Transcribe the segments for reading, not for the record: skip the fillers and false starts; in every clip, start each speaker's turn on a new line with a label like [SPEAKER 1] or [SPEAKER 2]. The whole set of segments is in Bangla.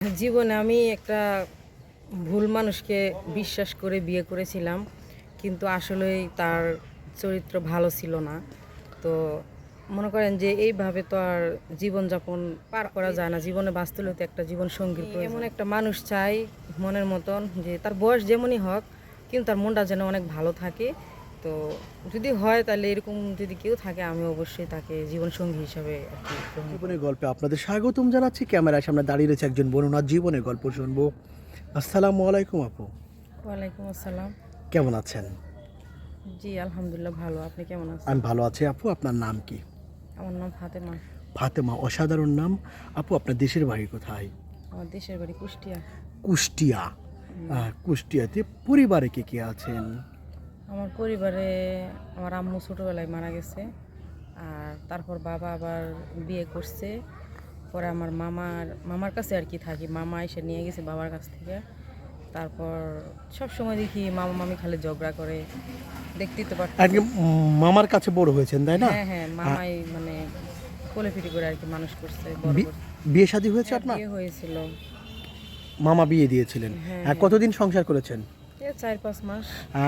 [SPEAKER 1] জীবনে আমি একটা ভুল মানুষকে বিশ্বাস করে বিয়ে করেছিলাম, কিন্তু আসলেই তার চরিত্র ভালো ছিল না। তো মনে করেন যে এইভাবে তো আর জীবনযাপন পার করা যায় না। জীবনে বাঁচতে হলে তো একটা জীবন সঙ্গীর প্রয়োজন। এমন একটা মানুষ চাই মনের মতন, যে তার বয়স যেমনই হোক কিন্তু তার মনটা যেন অনেক ভালো থাকে। তো যদি হয় তাহলে এরকম যদি কেউ থাকে, আমি অবশ্যই তাকে জীবনসঙ্গী হিসাবে আর কি গ্রহণ করব।
[SPEAKER 2] জীবনের গল্পে আপনাদের স্বাগতম জানাচ্ছি। ক্যামেরার সামনে দাঁড়িয়ে রয়েছে একজন বর্ণনার জীবনের গল্প শুনবো। আসসালামু আলাইকুম আপু,
[SPEAKER 1] ওয়ালাইকুম আসসালাম।
[SPEAKER 2] কেমন আছেন?
[SPEAKER 1] জি আলহামদুলিল্লাহ ভালো। আপনি কেমন আছেন?
[SPEAKER 2] আমি ভালো আছি আপু। আপনার নাম কি?
[SPEAKER 1] আমার নাম ফাতেমা।
[SPEAKER 2] ফাতেমা, অসাধারণ নাম। আপু, আপনার দেশের বাড়ি কোথায়?
[SPEAKER 1] আমার দেশের বাড়ি কুষ্টিয়া।
[SPEAKER 2] কুষ্টিয়া। কুষ্টিয়াতে পরিবারে কে কে আছেন?
[SPEAKER 1] আমার পরিবারে আমার আম্মু ছোটোবেলায় মারা গেছে, আর তারপর বাবা আবার বিয়ে করছে। পরে আমার মামার কাছে আর কি থাকি, মামা এসে নিয়ে গেছে বাবার কাছ থেকে। তারপর সব সময় দেখি মামা মামি খালি ঝগড়া করে, দেখতেই তো পারতেছি।
[SPEAKER 2] আজকে মামার কাছে বড় হয়েছেন তাই না?
[SPEAKER 1] হ্যাঁ হ্যাঁ, মামাই মানে কোলেপিটি করে আর কি মানুষ করছে, বড়
[SPEAKER 2] বি-
[SPEAKER 1] করছে।
[SPEAKER 2] বিয়ে শাদী হয়েছে
[SPEAKER 1] হ্যাঁ,
[SPEAKER 2] আপনার?
[SPEAKER 1] বিয়ে হয়েছিল।
[SPEAKER 2] মামা বিয়ে দিয়েছিলেন?
[SPEAKER 1] হ্যাঁ,
[SPEAKER 2] হ্যাঁ, কতদিন সংসার করেছেন?
[SPEAKER 1] 4-5 মাস।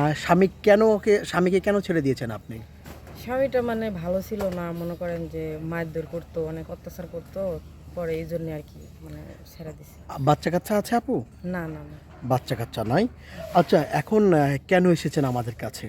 [SPEAKER 2] স্বামীকে কেন ছেড়ে দিয়েছেন আপনি?
[SPEAKER 1] স্বামীটা মানে ভালো ছিল না, মনে করেন যে মারধর করতো, অনেক অত্যাচার করতো। পরে এই জন্য আর কি মানে ছেড়ে দিছি।
[SPEAKER 2] বাচ্চা কাচ্চা আছে আপু?
[SPEAKER 1] না না না,
[SPEAKER 2] বাচ্চা কাচ্চা নাই। আচ্ছা, এখন কেন এসেছেন আমাদের কাছে?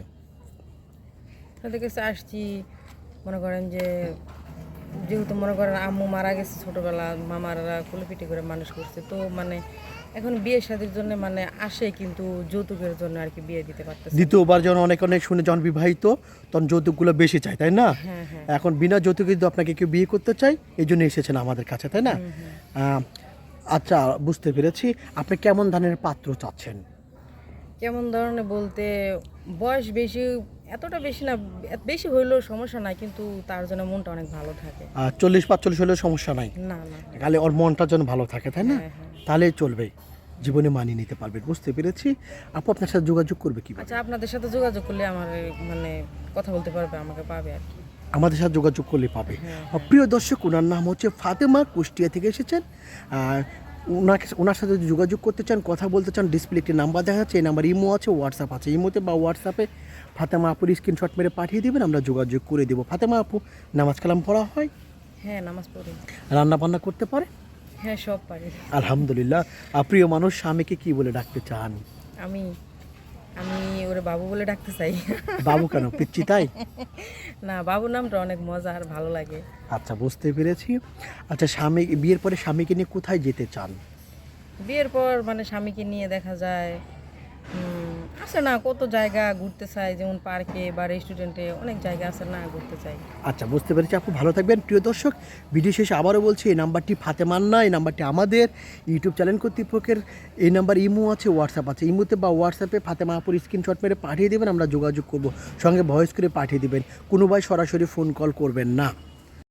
[SPEAKER 1] তাদের কাছে আসছি মনে করেন যে, যেহেতু মনে করেন আম্মু মারা গেছে ছোটবেলা, মামারা কুলিপিটি করে মানুষ করছে, তো মানে এখন বিয়ে শাদীর জন্য মানে আসে, কিন্তু যৌতুকের জন্য আর কি বিয়ে দিতে পারতেছে না।
[SPEAKER 2] দ্বিতীয়বার যখন অনেক অনেক শুনে যখন বিবাহিত, তখন যৌতুকগুলো বেশি চাই তাই না?
[SPEAKER 1] হ্যাঁ হ্যাঁ।
[SPEAKER 2] এখন বিনা যৌতুকে যদি আপনাকে কেউ বিয়ে করতে চাই, এই জন্য এসেছেন আমাদের কাছে তাই না? আহ, আচ্ছা, বুঝতে পেরেছি। আপনি কেমন ধরনের পাত্র চাচ্ছেন?
[SPEAKER 1] কেমন ধরনের বলতে, বয়স বেশি, এতটা বেশি না, বেশি হইলেও সমস্যা নাই, কিন্তু তার জন্য মনটা অনেক ভালো থাকে।
[SPEAKER 2] 40-45 হলেও সমস্যা নাই,
[SPEAKER 1] না না।
[SPEAKER 2] খালি ওর মনটা যেন ভালো থাকে তাই না?
[SPEAKER 1] হ্যাঁ হ্যাঁ।
[SPEAKER 2] তাহলেই চলবে, জীবনে মানিয়ে নিতে পারবেন। বুঝতে পেরেছি। আপু, আপনার সাথে যোগাযোগ করবে কিভাবে?
[SPEAKER 1] আচ্ছা, আপনাদের সাথে যোগাযোগ করলে আমার মানে কথা বলতে পারবে, আমাকে পাবে আর কি।
[SPEAKER 2] আমাদের সাথে যোগাযোগ করলে পাবে।
[SPEAKER 1] হ্যাঁ।
[SPEAKER 2] প্রিয় দর্শক, ওনার নাম হচ্ছে ফাতেমা, কুষ্টিয়া থেকে এসেছেন। আর ওনার সাথে যদি যোগাযোগ করতে চান, কথা বলতে চান, ডিসপ্লে একটি নাম্বার দেখা যাচ্ছে, এই নাম্বার ইমো আছে, হোয়াটসঅ্যাপ আছে। ইমোতে বা হোয়াটসঅ্যাপে ফাতেমা আপুর স্ক্রিনশট মেরে পাঠিয়ে দেবেন, আমরা যোগাযোগ করে দেবো। ফাতেমা আপু, নামাজ কালাম পড়া হয়?
[SPEAKER 1] হ্যাঁ, নামাজ পড়ি।
[SPEAKER 2] রান্না বান্না করতে পারে?
[SPEAKER 1] হ্যাঁ, সব পারি।
[SPEAKER 2] আলহামদুলিল্লাহ। প্রিয় মানুষ, স্বামীকে কি বলে ডাকতে চান?
[SPEAKER 1] আমি আমি ওরে বাবু বলে ডাকতে চাই।
[SPEAKER 2] বাবু কেন, পিচ্ছি তাই?
[SPEAKER 1] না, বাবু নামটা অনেক মজা আর ভালো লাগে।
[SPEAKER 2] আচ্ছা, বুঝতে পেরেছি। আচ্ছা, বিয়ের পরে স্বামীকে নিয়ে কোথায় যেতে চান?
[SPEAKER 1] বিয়ের পর মানে স্বামীকে নিয়ে দেখা যায় আছে না কত জায়গা ঘুরতে চাই, যেমন পার্কে বা রেস্টুরেন্টে, অনেক জায়গা আছে না, ঘুরতে চাই।
[SPEAKER 2] আচ্ছা, বুঝতে পেরেছি আপু, ভালো থাকবেন। প্রিয় দর্শক, ভিডিও শেষে আবারও বলছি, এই নাম্বারটি ফাতেমার না, এই নাম্বারটি আমাদের ইউটিউব চ্যানেল কর্তৃপক্ষের। এই নাম্বার ইমো আছে, হোয়াটসঅ্যাপ আছে। ইমোতে বা হোয়াটসঅ্যাপে ফাতেমা আপুর স্ক্রিনশট মেরে পাঠিয়ে দেবেন, আমরা যোগাযোগ করব। সঙ্গে ভয়েস করে পাঠিয়ে দেবেন, কোনো ভাই সরাসরি ফোন কল করবেন না।